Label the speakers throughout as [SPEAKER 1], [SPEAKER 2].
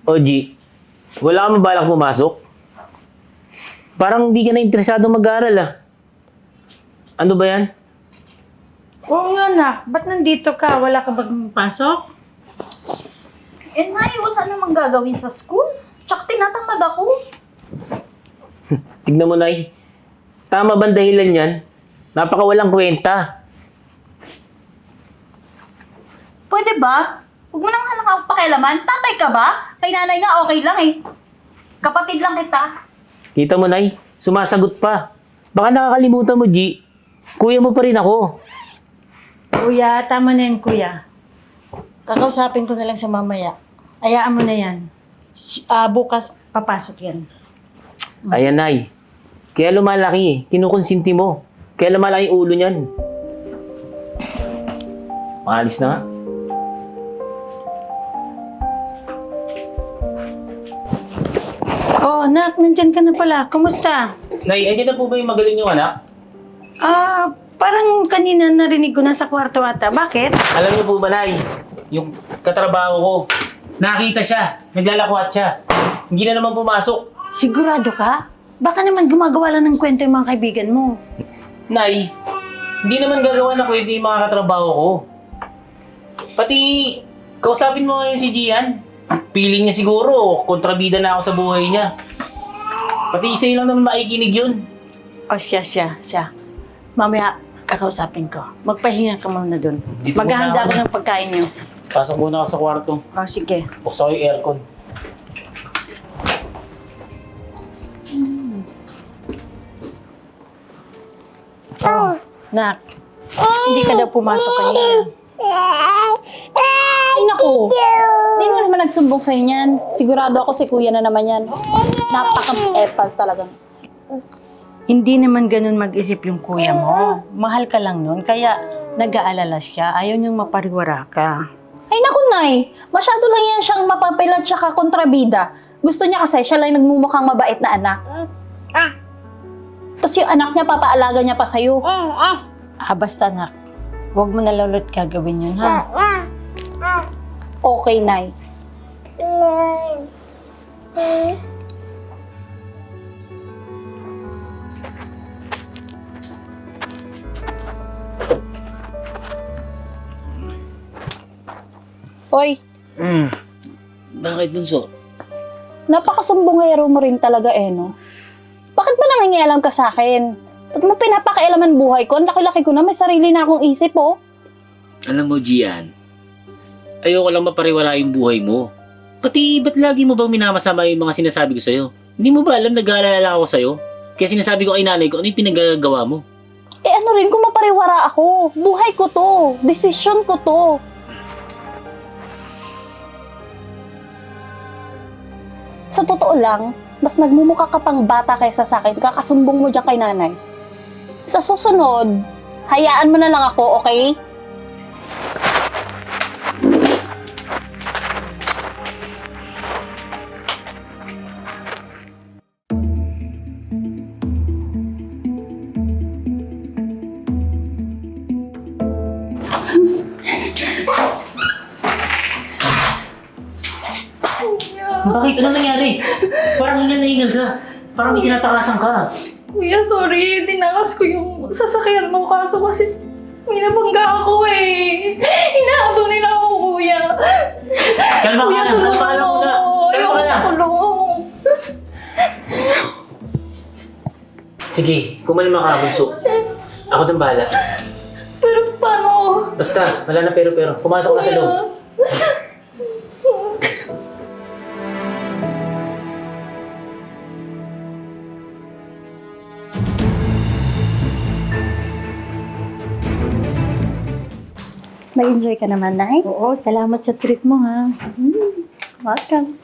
[SPEAKER 1] Oji, wala ka mabalak pumasok? Parang hindi ka na interesado mag-aaral ah. Ano ba yan?
[SPEAKER 2] Oo nga, nak. Ba't nandito ka? Wala ka bang pasok?
[SPEAKER 3] Eh, Nay, wala namang gagawin sa school. Tsaka tinatamad ako.
[SPEAKER 1] Tignan mo, Nay. Tama ba ang dahilan yan? Napakawalang kwenta.
[SPEAKER 3] Pwede ba? Huwag mo nang halakang pakialaman. Tatay ka ba? Kay nanay nga okay lang eh. Kapatid lang kita.
[SPEAKER 1] Kita mo, Nay. Sumasagot pa. Baka nakakalimutan mo, G. Kuya mo pa rin ako.
[SPEAKER 2] Kuya, tama na yan, kuya. Kakausapin ko na lang sa mamaya. Ayaan mo na yan. Bukas, papasok yan.
[SPEAKER 1] Ayan, Nay. Kaya lumalaki eh. Kinukonsinti mo. Kaya lumalaki yung ulo niyan. Maalis na nga.
[SPEAKER 2] Oh, nak, nandyan ka na pala. Kumusta?
[SPEAKER 1] Nay, andyan na po ba yung magaling yung anak?
[SPEAKER 2] Parang kanina narinig ko na sa kwarto ata. Bakit?
[SPEAKER 1] Alam niyo po ba, Nay? Yung katrabaho ko. Nakita siya. Naglalakwat siya. Hindi na naman pumasok.
[SPEAKER 2] Sigurado ka? Baka naman gumagawa lang ng kwento yung mga kaibigan mo.
[SPEAKER 1] Nay, hindi naman gagawa na kwento yung mga katrabaho ko. Pati, kausapin mo ngayon si Gian. Piling niya siguro, kontrabida na ako sa buhay niya. Pati isa lang naman makikinig yun.
[SPEAKER 2] O siya. Mamaya, kakausapin ko. Magpahinga ka muna dun.
[SPEAKER 1] Dito
[SPEAKER 2] Maghahanda
[SPEAKER 1] muna
[SPEAKER 2] ako
[SPEAKER 1] ako.
[SPEAKER 2] ng pagkain niyo.
[SPEAKER 1] Pasok muna ako sa kwarto.
[SPEAKER 2] O, sige.
[SPEAKER 1] Buksan ko yung aircon.
[SPEAKER 2] Nak, hindi ka daw pumasok kanina.
[SPEAKER 4] Ay, naku! Sino naman nagsumbong sa'yo niyan? Sigurado ako si kuya na naman yan. Napaka-epal talaga.
[SPEAKER 2] Hindi naman ganun mag-isip yung kuya mo. Mahal ka lang nun, kaya nag-aalala siya. Ayaw niyang mapariwara ka.
[SPEAKER 4] Ay, naku, Nay! Masyado lang yan siyang mapapilat tsaka kontrabida. Gusto niya kasi siya lang nagmumukhang mabait na anak. Tapos yung anak niya, papaalaga niya pa sa'yo.
[SPEAKER 2] Basta nak, huwag mo na lulot gagawin yun, ha?
[SPEAKER 4] Okay, Nay. Hoy,
[SPEAKER 1] Bakit, Bunso?
[SPEAKER 4] napakasumbongero mo rin talaga no? Bakit ba nangingialam ka sa akin? Ba't mo pinapakailaman buhay ko? Ang laki-laki ko na, may sarili na akong isip, oh.
[SPEAKER 1] Alam mo, Gian, ayoko lang mapariwara yung buhay mo. Pati, ba't lagi mo bang minamasama yung mga sinasabi ko sa'yo? Hindi mo ba alam, nag-aalala ako sa'yo? Kaya sinasabi ko kay nanay ko, ano yung pinagagawa mo?
[SPEAKER 4] Eh ano rin kung mapariwara ako? Buhay ko to. Desisyon ko to. Sa totoo lang, mas nagmumukha ka pang bata kaysa sa akin, kakasumbong mo dyan kay nanay. Sa susunod, hayaan mo na lang ako, okay?
[SPEAKER 1] Bakit? Ano nangyari? Parang hingal na hingal ka. Parang may tinatakasan ka.
[SPEAKER 3] Kuya, sorry. Tinakas ko yung sasakyan mo. Kaso kasi may nabangga ako eh. Hinahabang nila ako, kuya.
[SPEAKER 1] Kalma ka
[SPEAKER 3] Kuya,
[SPEAKER 1] lang. Kalma ka
[SPEAKER 3] tulungan
[SPEAKER 1] lang
[SPEAKER 3] mo.
[SPEAKER 1] muna. Kalma
[SPEAKER 3] Ayoko
[SPEAKER 1] ka lang.
[SPEAKER 3] makulong.
[SPEAKER 1] Sige, kumalma ka, Bunso. Ako nang bahala.
[SPEAKER 3] Pero paano?
[SPEAKER 1] Basta, wala na pero. Pumasok na sa loob.
[SPEAKER 4] Nag-enjoy ka naman, Nay?
[SPEAKER 2] Oo, salamat sa treat mo, ha?
[SPEAKER 4] Welcome.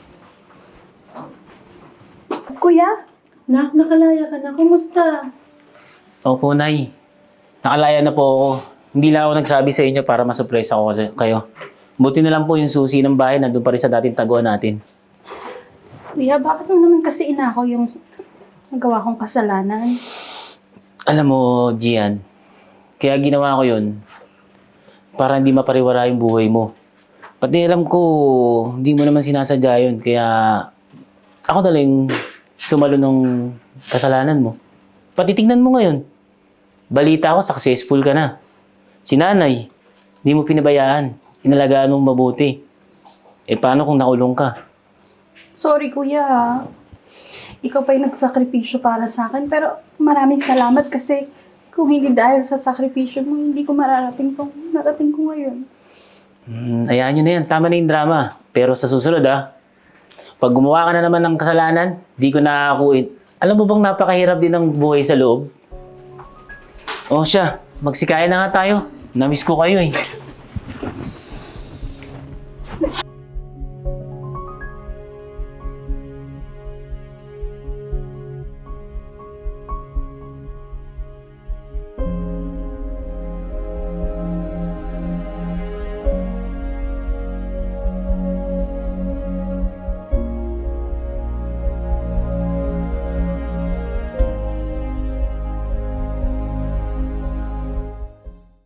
[SPEAKER 2] Kuya, nak, nakalaya ka na. Kumusta?
[SPEAKER 1] Opo, Nay. Nakalaya na po ako. Hindi lang ako nagsabi sa inyo para masurprise ako kayo. Buti na lang po yung susi ng bahay nandun pa rin sa dating taguan natin.
[SPEAKER 2] Kuya, bakit mo naman kasi inakaw yung nagawa kong kasalanan?
[SPEAKER 1] Alam mo, Gian, kaya ginawa ko yun para hindi mapariwara yung buhay mo. Pati alam ko, hindi mo naman sinasadya yun. Kaya ako na lang sumalo ng kasalanan mo. Pati tingnan mo ngayon. Balita ko, successful ka na. Si nanay, hindi mo pinabayaan. Inalagaan mong mabuti. Eh paano kung nakulong ka?
[SPEAKER 3] Sorry, kuya. Ikaw pa yung nagsakripisyo para sa akin. Pero maraming salamat kasi kung hindi dahil sa sakripisyo mo, hindi ko mararating tong narating ko ngayon.
[SPEAKER 1] Hayaan nyo na yan. Tama na yung drama. Pero sa susunod pag gumawa ka na naman ng kasalanan, di ko nakakuin. Alam mo bang napakahirap din ng buhay sa loob? O siya, magsikain na nga tayo. Namiss ko kayo eh.